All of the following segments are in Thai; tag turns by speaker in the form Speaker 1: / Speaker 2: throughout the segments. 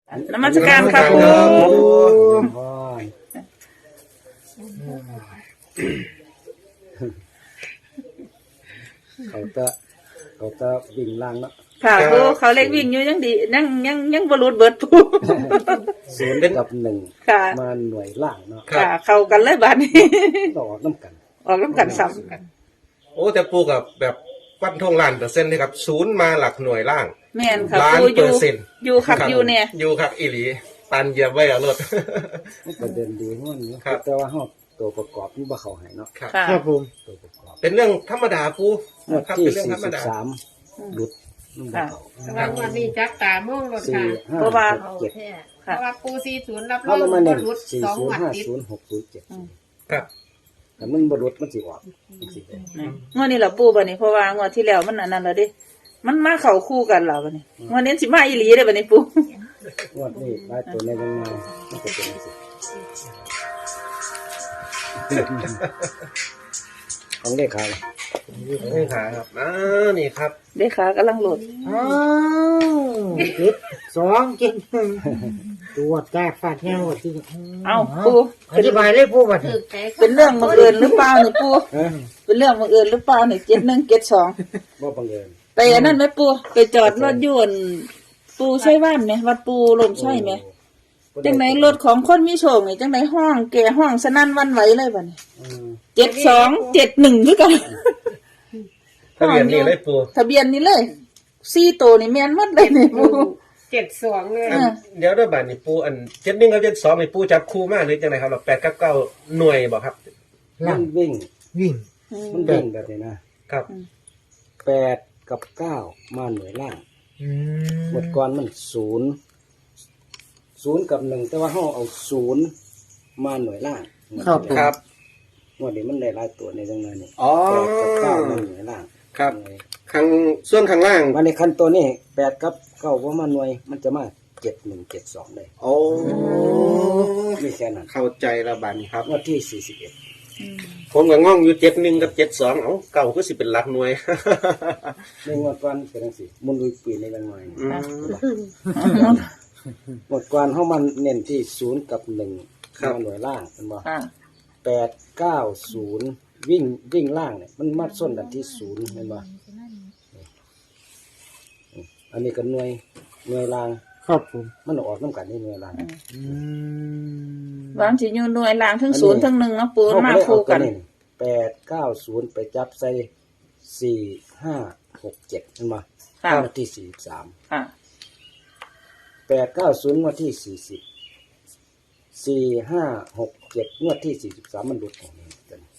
Speaker 1: นมัสการครับปู
Speaker 2: เขาจะวิ่งล่างเนาะ
Speaker 1: ค่ะปูเขาเล็กวิ่งอยู่ยังดียังบรุษเบิดปู
Speaker 2: ศูนย์กับหนึ่งมาหน่วยล่างเนาะ
Speaker 1: ค่ะเข้ากันเลยบ้านนี้
Speaker 2: ต่อน้ำกัน
Speaker 1: ออกน้ำกันซ้
Speaker 3: ำโอ้แต่ปูกับแบบฟันธงล้านเปอร์เซ็นต์เลยครับศูนย์มาหลักหน่วยล่าง
Speaker 1: แม่นค่ะ
Speaker 3: ล้านเปอร์เซ็นต์
Speaker 1: อยู่ครับอยู่เนี่ย
Speaker 3: อยู่ครับอีหลีปันเยียบไว้เอารถ
Speaker 2: ประเด็นดีห้องนี้แต่ว่าห้องตัวประกอบนี่บ่เขาหายเนาะ
Speaker 1: ครับ
Speaker 2: ผมตัวประกอบ
Speaker 3: เป็นเรื่องธรรมดาปู
Speaker 2: ครับเป็นเรื่องธรรมดาหลุด
Speaker 4: ค่ะวันนี้จักตาม่วงรถค่ะ
Speaker 1: เพราะว่า
Speaker 4: เพราะว่าปู40รับรองบ่รุด2งวดติด
Speaker 2: 405067ครับแต่มันบ่รุดมันสิออก
Speaker 1: งวดนี้ล่ะปูบัดนี้เพราะว่างวดที่แล้วมันอันนั้นแล้วดิมันมาเข้าคู่กันแล้วบัดนี้งวดนี้สิมาอีหลีเด้อบัดนี้ปู
Speaker 2: งวดนี้ได้ตัวในยังไงมันก็เป็นสิของเลขา
Speaker 3: เลขาครับนี่ครับ
Speaker 1: เลขากำลังโหลด
Speaker 5: 7 2 7ตัวแตกฟาดแห้งหมดที่
Speaker 1: เอ้าปู
Speaker 5: อธิบายเลยปูว่า
Speaker 1: เป็นเรื่องบังเอิญหรือเปล่านี่ปูเป็นเรื่องบังเอิญหรือเปล่านี่71 72
Speaker 2: บ่บังเอิญ
Speaker 1: ไปอันนั้นไหมปูไปจอดรถยนต์ปูใช่บ้านไหมวัดปูลมใช่ไหมจังไหนรถของคนมีโชคนี่จังไหนห้องแก่ห้องสนั่นวันไหวเลยบัดนี้7271คือกัน
Speaker 3: ทะเบียนนี่เลยปู
Speaker 1: ทะเบียนนี่เลย4ตัวนี่แม่นหมดเลยนี่ปู
Speaker 4: 72เลย
Speaker 3: เดี๋ยวด้วยบัดนี้ปูอัน71กับ72นี่ปูจับคู่มาหรือจังไดครับ8กับ9หน่วยบ่ครับ
Speaker 2: มันวิ่งมันวิ่งแบบนี้นะครับ8กับ9มาหน่วยล่างหมดก่อนมัน0กับ1แต่ว่าเฮาเอา0มาหน่วยล่าง
Speaker 3: ครับ
Speaker 2: งวดนี้มันได้หลายตัวในจังนั้นนี่8กับ9มาหน่วยล่าง
Speaker 3: ครับส่วนข้างล่าง
Speaker 2: วันนี้คันตัวนี้8กับ9บ่มาหน่วยมันจะมา7172ได้
Speaker 3: โอ้
Speaker 2: มีแค่นั้น
Speaker 3: เข้าใจแล้วบัดนี้ครับ
Speaker 2: งวดที่41
Speaker 3: ผมก็ง่องอยู่71กับ72เอ้าเก่าคือสิเป็นหลักหน่วย
Speaker 2: ในงวดก่อนเป็นจังซี่มุนลุยปีในจังหน่อยงวดก่อนเฮามันเน้นที่0กับ1มาหน่วยล่างเห็นบ่8 9 0วิ่งล่างเนี่ยมันมัดส้นกันที่0เห็นบ่อันนี้ก็หน่วยล่าง
Speaker 5: ครับผม
Speaker 2: มันออกนำกันนี่หน่วยล่าง
Speaker 1: วางสิอยู่หน่วยล่างทั้ง0ทั้ง1เนาะปูมาคู่กัน
Speaker 2: 8 9 0ไปจับใส่4 5 6 7เห็นบ่งวดที่43
Speaker 1: ค่ะ
Speaker 2: 8 9 0งวดที่40 4 5 6 7งวดที่43มันหลุดออกนี่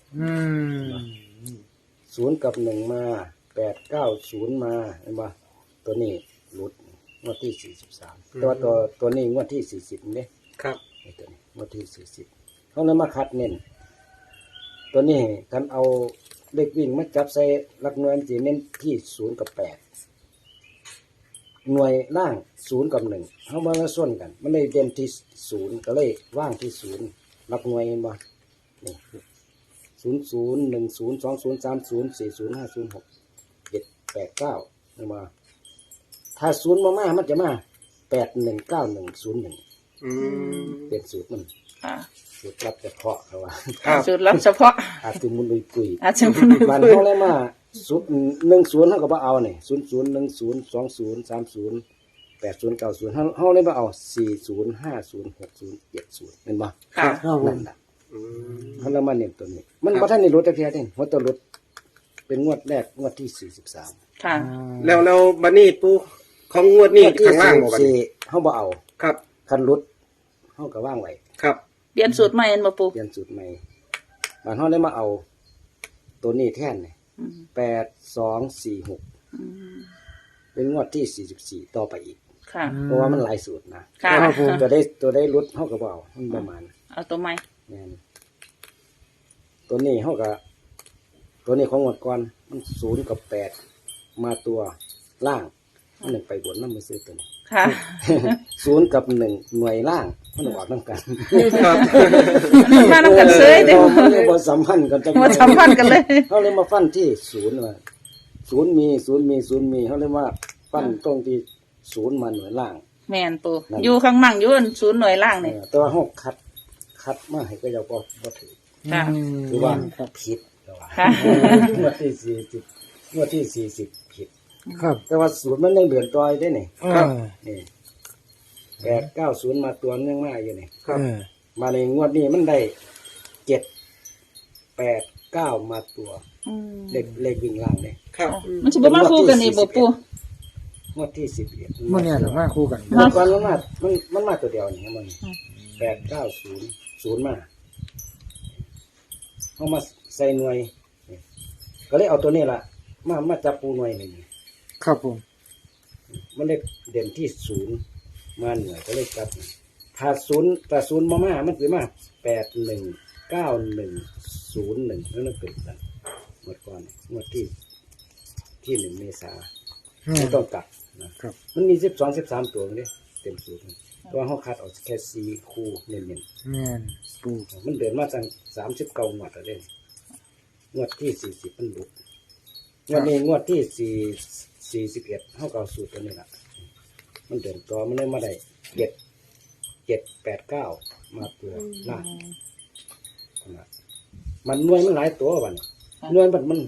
Speaker 2: 0กับ1มา8 9 0มาเห็นบ่ตัวนี้หลุดงวดที่43ตัวนี้งวดที่40นี่
Speaker 3: ครับ
Speaker 2: ตัวนี้งวดที่40เฮาเลยมาคัดเน้นตัวนี้กันเอาเลขวิ่งมาจับใส่หลักหน่วยสิเน้นที่0กับ8หน่วยล่าง0กับ1เฮามาส่วนกันมันเลยเด่นที่0ก็เลยว่างที่0หลักหน่วยเห็นบ่นี่00 10 20 30 40 50 6 7 8 9เห็นบ่ถ้า0มามันจะมา819101เป็นสูตรมันสูตรลับเฉพาะเขาว่า
Speaker 1: สูตรลับเฉพาะ
Speaker 2: อาจจะมุนลุยกุย
Speaker 1: มั
Speaker 2: นเฮาเลยมา10เฮาก็บ่เอานี่00 10 20 30 80 90เฮาเลยบ่เอา40 50 60 70แม่นบ่
Speaker 1: ค่ะ
Speaker 2: นั่นล่ะเฮาเลยมาเน้นตัวนี้มันบ่ทันได้ลดจักเที่ยเด้หัวตัวลดเป็นงวดแรกงวดที่43
Speaker 1: ค่ะ
Speaker 3: แล้วบัดนี้ปูของงวดนี้ข้างล่างบ่บัดนี้
Speaker 2: เฮาบ่เอา
Speaker 3: ครับ
Speaker 2: คันลดเฮาก็วางไว้
Speaker 3: ครับ
Speaker 1: เปลี่ยนสูตรใหม่อันบ่ปู
Speaker 2: เปลี่ยนสูตรใหม่บาดเฮาเลยมาเอาตัวนี้แทนนี่8246เป็นงวดที่44ต่อไปอีก
Speaker 1: ค่ะ
Speaker 2: เพราะว่ามันหลายสูตรนะ
Speaker 1: ค่ะ
Speaker 2: ตัวได้ลดเฮาก็บ่เอามันประมาณ
Speaker 1: เอาตัวใหม่
Speaker 2: แม่นตัวนี้เฮาก็ตัวนี้ของงวดก่อนมัน0กับ8มาตัวล่างมัน1ไปบนนำไปซื้อตัวนี้
Speaker 1: ค่ะ
Speaker 2: 0กับ1หน่วยล่างมันออกนำกัน
Speaker 3: ครับ
Speaker 1: มานำกันเซ้ยเด้อ
Speaker 2: มันบ่สัมพันธ์กันจัง
Speaker 1: บ่สัมพันธ์กันเลย
Speaker 2: เฮาเลยมาฟันที่0ว่า0มีเฮาเลยว่าฟันตรงที่0มาหน่วยล่าง
Speaker 1: แม่นปู
Speaker 2: นั่น
Speaker 1: อยู่ข้างมั่งอยู่ศูนย์หน่วยล่างนี่
Speaker 2: แต่ว่าห้องคัดมาให้ก็ยังบ่ถือ
Speaker 1: ค่ะ
Speaker 2: หรือว่าผิดแต่ว่า
Speaker 1: ค่ะ
Speaker 2: งวดที่40งวดที่40ผิด
Speaker 5: ครับ
Speaker 2: แต่ว่าศูนย์มันยังเดือนต่อยได้นี่
Speaker 5: ครับ
Speaker 2: นี่890มาตัวนึงมาอยู่นี่
Speaker 5: ครับ
Speaker 2: มาในงวดนี้มันได้789มาตัว
Speaker 1: อืม
Speaker 2: เลขวิ่งล่างนี่
Speaker 3: ครับ
Speaker 1: มันสิบ่มาคู่กันนี่บ่ปู
Speaker 2: งวดที่11
Speaker 5: มื่อเนี่ยหรือมาคู่กัน
Speaker 2: งวดก่อนมันมาตัวเดียวนี่มัน890มาเอามาใส่หน่วยนี่ก็เลยเอาตัวนี้ล่ะมาจับปูหน่วยนี่
Speaker 5: ครับผม
Speaker 2: มันเลขเด่นที่0มาหน่วยก็เลยจับถ้า0มามันสิมา819101แล้วมันเกิดกันงวดก่อนงวดที่1 เมษายนไม่ต้องกลับนะครับ มันมี12-13ตัวนี่เต็มสูตรตัวเฮาคัดออกแค่4คู่เน้น
Speaker 5: แม่นปู
Speaker 2: ๆมันเดินมาตั้ง39งวดแล้วเด้งวดที่40มันหลุดงวดนี้งวดที่41เฮาก็เอาสูตรตัวนี้ล่ะมันเดินต่อมันเลยมาได้789มาตัวล่างนะมันหน่วยมันหลายตัวบัดนี้หน่วยมัน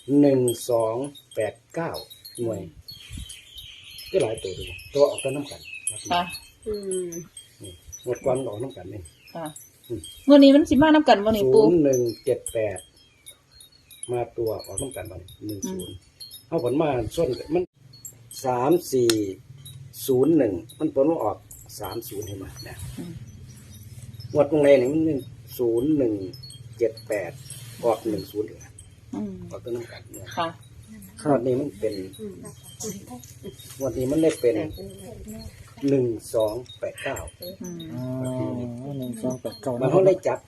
Speaker 2: 1289หน่วยก็หลายตัวดูตัวออกกันน้ำกัน
Speaker 1: ค่ะ
Speaker 4: อืม
Speaker 2: หมดความออกน้ำกันนี่
Speaker 1: ค่ะมื้อนี้มันสิมานํกันบ่นี่ปู
Speaker 2: 0178มาตัวออกน้ำกันมัน10เอาผลมาส้นมัน3401มันผลมาออก30ให้มาเนี่ยหมดตรงไหนนี่มัน0178ออก10เลย
Speaker 1: อืม
Speaker 2: ออกตัวน้ำกันเนี่ย
Speaker 1: ค่ะ
Speaker 2: งวดนี้มันเป็นงวดนี้มันได้เป็น1289
Speaker 1: อืม
Speaker 5: อ๋อ1289
Speaker 2: มันเขาได้จับ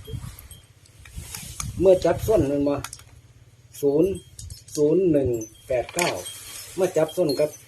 Speaker 2: เมื่อจับส้นมันมา00189เมื่อจับส้นกับ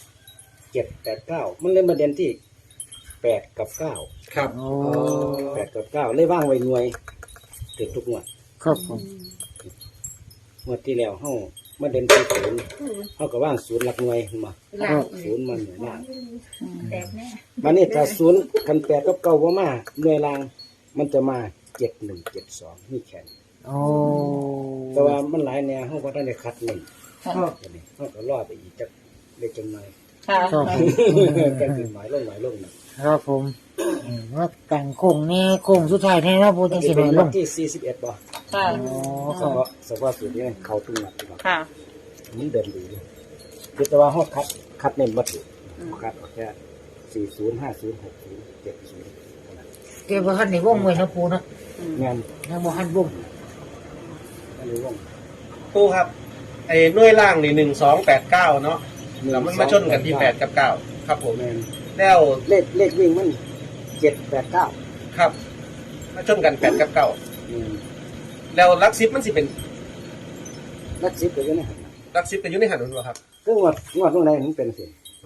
Speaker 2: 789มันเลยมาเด่นที่8กับ9
Speaker 3: ครับ
Speaker 5: อ๋อ
Speaker 2: 8กับ9เลยว่างไว้หน่วยถึงทุกงวด
Speaker 5: ครับผม
Speaker 2: งวดที่แล้วเฮามาเด่นที่0เฮาก็ว่าง0หลักหน่วยมา
Speaker 4: หลัง
Speaker 2: 0มันหน่วยล่าง
Speaker 4: แตกแน่
Speaker 2: บัดนี้ถ้า0คัน8กับ9บ่มาหน่วยล่างมันจะมา7172นี่แค่นี้
Speaker 5: อ๋อ
Speaker 2: แต่ว่ามันหลายแนวเฮาก็ได้คัดหนึ่ง
Speaker 1: ค่ะ
Speaker 2: อันนี้เฮาก็รอไปอีกจักเล็กจังหน่อย
Speaker 1: ค่ะ
Speaker 5: ครับผม
Speaker 2: ก็คือหมายลงนะครับ
Speaker 5: ผมว่าแต่งโค้งนี่โค้งสุดท้ายแท้นะปูจังสิหน่อยล
Speaker 2: วั
Speaker 5: ง
Speaker 2: นที่41บ่
Speaker 1: ค่ะ
Speaker 5: อ๋อ
Speaker 2: เฉ
Speaker 5: ครับ
Speaker 2: พาะสูตรนี้เขาตุ้งหนักดีกว่า
Speaker 1: ค่ะ
Speaker 2: มันเดินดีคือแต่ว่าเฮาคัดเน้นบ่ถูกคัดเอาแค่40 50 60 70เท่านั้น
Speaker 5: เก็บบ่ทันได้วงไว้นะปูนะ
Speaker 2: งาน
Speaker 5: ยังบ่ทันวง
Speaker 2: อันนี้ว่อง
Speaker 3: ปูครับไอ้หน่วยล่างนี่1289เนาะแล้วมันมาชนกันที่8กับ9ครับผม
Speaker 2: แม่น
Speaker 3: แล้ว
Speaker 2: เลขวิ่งมัน789
Speaker 3: ครับมาชนกัน8กับ9
Speaker 2: แม่น
Speaker 3: แล้วหลัก10มันสิเป็น
Speaker 2: นัก10ก็อยู่ในหัน
Speaker 3: หลัก10เป็นอยู่ในหันนั่นบ่ครับ
Speaker 2: คืองวดตรงไหนมันเป็นสิ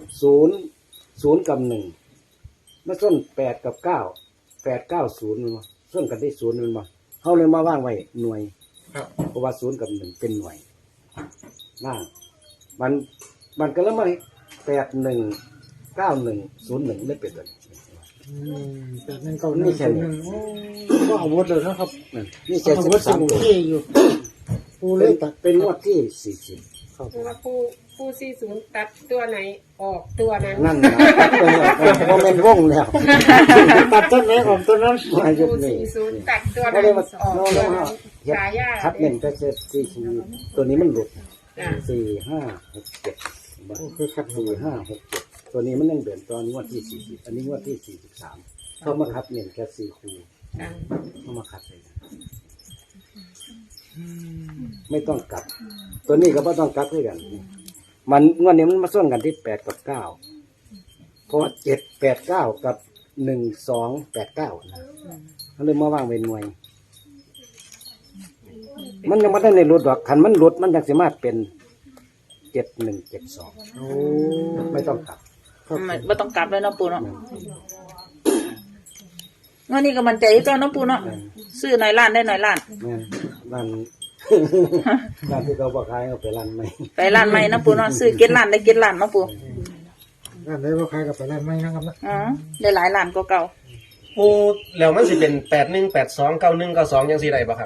Speaker 2: 0กับ1มาส้น8กับ9 890มันมาส้นกันที่0มันมาเฮาเลยมาว่างไว้หน่วย
Speaker 3: ครับ
Speaker 2: เพราะว่า0กับ1เป็นหน่วยล่างมันก็แล้วมา819101ได้เป็นตัวนี้
Speaker 5: แต่นั่นก็นี่แค่นี้ก็อาวุธเลยนะครับ
Speaker 2: นี่แค่
Speaker 5: อาวุธสมุน
Speaker 2: 13ตัว
Speaker 5: ที่อยู่ปูเลยตัด
Speaker 2: เป็นงวดที่40
Speaker 5: ครับ
Speaker 4: เพราะว่าปู40ตัดตัวไหนออกตัวนั้น
Speaker 2: นั่นนะเพราะมันวงแล้ว
Speaker 5: ตัดต้นไหนออกต้นนั้น
Speaker 2: มายุ
Speaker 4: ปู
Speaker 2: ดนี้
Speaker 4: 40ตัดตัว
Speaker 2: ก็
Speaker 4: นั้น
Speaker 2: เลยมา
Speaker 4: ออก
Speaker 2: โน่น
Speaker 4: ตัว
Speaker 2: แล้ว
Speaker 4: นั้นฉายา
Speaker 2: คัดเน้นก็จะ44ตัวนี้มันหลุด
Speaker 4: จ้ะ
Speaker 2: 4 5 6 7
Speaker 5: คือขัด
Speaker 2: 4 5 6 7ตัวนี้มันยังเดินตอนงวดที่40อันนี้งวดที่43เข้ามาคัดเน้นแค่4คู่
Speaker 4: จ้ะ
Speaker 2: เข้ามาคัดเลยนะไม่ต้องกลับ ตัวนี้ก็ไม่ต้องกลับด้วยกัน มันงวดนี้มันมาส่วนกันที่8กับ9เพราะว่า7 8 9กับ1 2 8 9นะเขาเลยมาว่างเป็นหน่วย มันยังไม่ได้ในรถดอกคันมันรถมันยังสามารถเป็น7172
Speaker 5: โอ้
Speaker 2: ไม่ต้องกลับ
Speaker 1: บ่ต้องกลับเลยเนาะปูเนาะวันนี้ก็มันใจอยู่ตัวเนาะปูเนาะซื้อหน่อยล้านได้หน่อยล้าน
Speaker 2: แม่นร้านร้านที่เขาบอกขายเอาไปร้านใหม่
Speaker 1: ไปล้านใหม่เนาะปูเนาะซื้อเก็ดล้านได้เก็ดล้านเนาะปู
Speaker 5: ร้านไหนบ่ขายกับไปร้านไม่นะครับนะ
Speaker 1: อ๋อได้หลายล้านกว่าเก่า
Speaker 3: ปูแล้วมันสิเป็น81 82 91 92จังซี่ได้บ่ครับ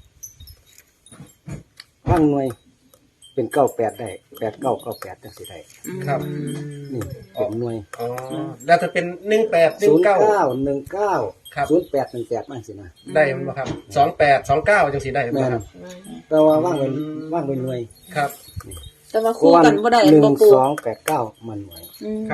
Speaker 2: ว่างหน่วยเป็น98ได้8998จังสิได้
Speaker 3: ครับ
Speaker 2: นี่เป็นหน่วย
Speaker 3: อ๋อแล้วถ้าเป็น18 19
Speaker 2: 0919
Speaker 3: ครับ
Speaker 2: 0818มั่งสินะ
Speaker 3: ได้มันบ่ครับ28 29จังซี่ได้บ่
Speaker 2: แม่น
Speaker 3: ครับ
Speaker 2: แต่ว่าว่างเป็นหน่วย
Speaker 3: ครับ
Speaker 1: แต่ว่าคู่กันบ่ได้
Speaker 2: หนึ่
Speaker 1: บ่
Speaker 2: ง
Speaker 1: ปู
Speaker 2: สองแปดเก้ามันหน่วย
Speaker 1: อืม
Speaker 3: ครับ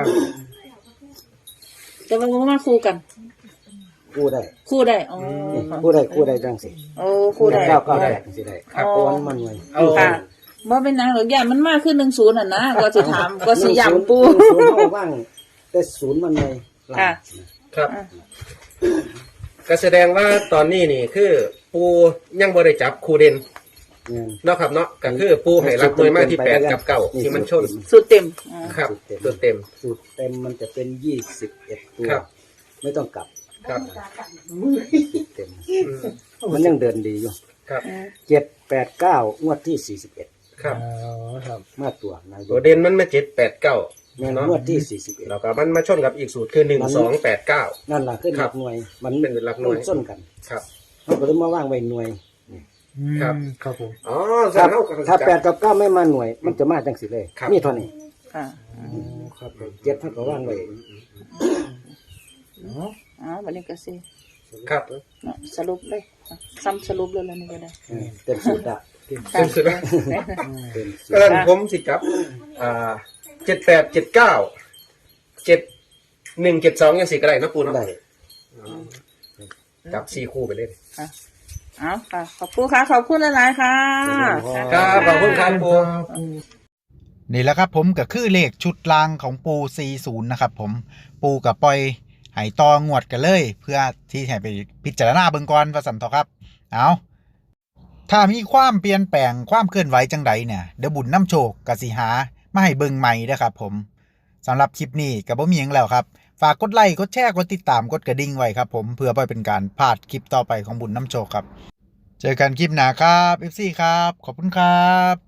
Speaker 1: แต่ว่าบ่มาคู่กัน
Speaker 2: กู้ได้
Speaker 1: คู่ได้อ๋อ
Speaker 2: นี่กู้ได้จังสิ
Speaker 1: โอ้คู่ได้
Speaker 2: 998จังสิได้
Speaker 3: ครับ
Speaker 2: เพราะว่ามันหน่วย
Speaker 3: เอา
Speaker 1: ค่ะบ่เป็นนางหรอกย่านมันมากขึ้น10น่ะนะก็สิถามก็สิย้ำปู
Speaker 2: ศูนย์เอาว่างแต่ศูนย์มันหน่วยหลัง
Speaker 1: ค่ะ
Speaker 3: ครับ ก็แสดงว่าตอนนี้นี่คือปูยังบ่ได้จับคู่เด่น
Speaker 2: เงิน
Speaker 3: เนาะครับเนาะก็คือปูให้รับหน่วยมากที่8กับ9ที่มันชน
Speaker 1: สุดเต็มอ๋อ
Speaker 3: ครับตัวเต็ม
Speaker 2: สูตรเต็มมันจะเป็น21ตัว
Speaker 3: ครับ
Speaker 2: ไม่ต้องกลับ
Speaker 3: ครับ
Speaker 2: สูตรเต็ม มันยังเดินดีอยู่
Speaker 3: ครับ
Speaker 2: 789งวดที่41
Speaker 3: ครับ
Speaker 5: อ๋อครับ
Speaker 2: มาตัวนาย
Speaker 3: ตัวเด่นมันมา7 8 9
Speaker 2: แม่น
Speaker 3: เนาะ
Speaker 2: งวดที่41
Speaker 3: แล้วก็มันมาชนกับอีกสูตรคือ1 2 8 9
Speaker 2: นั่นล่ะขึ้นห
Speaker 3: ครั
Speaker 2: ลั
Speaker 3: บ
Speaker 2: กหน่วย มัน
Speaker 3: เป็นหลักหน่วย
Speaker 2: ส้นกัน
Speaker 3: ครับ
Speaker 2: เขาก็เลยมาว่างไว้หน่วย
Speaker 3: ครับ
Speaker 5: ครับผม
Speaker 3: อ๋อ
Speaker 2: ถ้า
Speaker 3: เท่า
Speaker 2: ถ้า8กับ9ไม่มาหน่วย มันจะมาจังสิเลย
Speaker 3: ครับ
Speaker 2: นี่เท่านี้
Speaker 1: ค่ะ
Speaker 2: ครับ7เท่ากับว่างไว้
Speaker 1: อ๋อบัดนี้ก็สิ
Speaker 3: ครับ
Speaker 1: เนาะสรุปเลยอ่ะซ้ำสรุปเลยแล้วนี่ก็ได้
Speaker 2: เต็มสูตรอะ
Speaker 3: เป็นสุดแล้ว
Speaker 2: เต็มสูต
Speaker 3: ก็
Speaker 2: ร
Speaker 3: นั้นผมสิครับ78 79 71 72ยังสิก็ได้นะปูเนาะ
Speaker 2: ได้
Speaker 3: จับ4คู่ไปเลย
Speaker 1: เอาค่ะ ขอบคุณค่ะ ขอบคุณหลายๆค่ะ
Speaker 3: ครับขอบคุณครับปู
Speaker 6: นี่แหละครับผมก็คือเลขชุดลางของปู40นะครับผมปูกับปล่อยไหตองวดกันเลย เพื่อที่ให้ไปพิจารณาเบิ่งก่อนว่าสันทอครับเอาถ้ามีความเปลี่ยนแปลงความเคลื่อนไหวจังใดเนี่ยเดี๋ยวบุญน้ำโชคกสิหามาให้เบิ่งใหม่นะครับผมสำหรับคลิปนี้ก็บ่มีหยังแล้วครับฝากกดไลค์กดแชร์กดติดตามกดกระดิ่งไว้ครับผมเพื่อบ่ให้เป็นการพลาดคลิปต่อไปของบุญน้ำโชคครับเจอกันคลิปหน้าครับ FC ครับขอบคุณครับ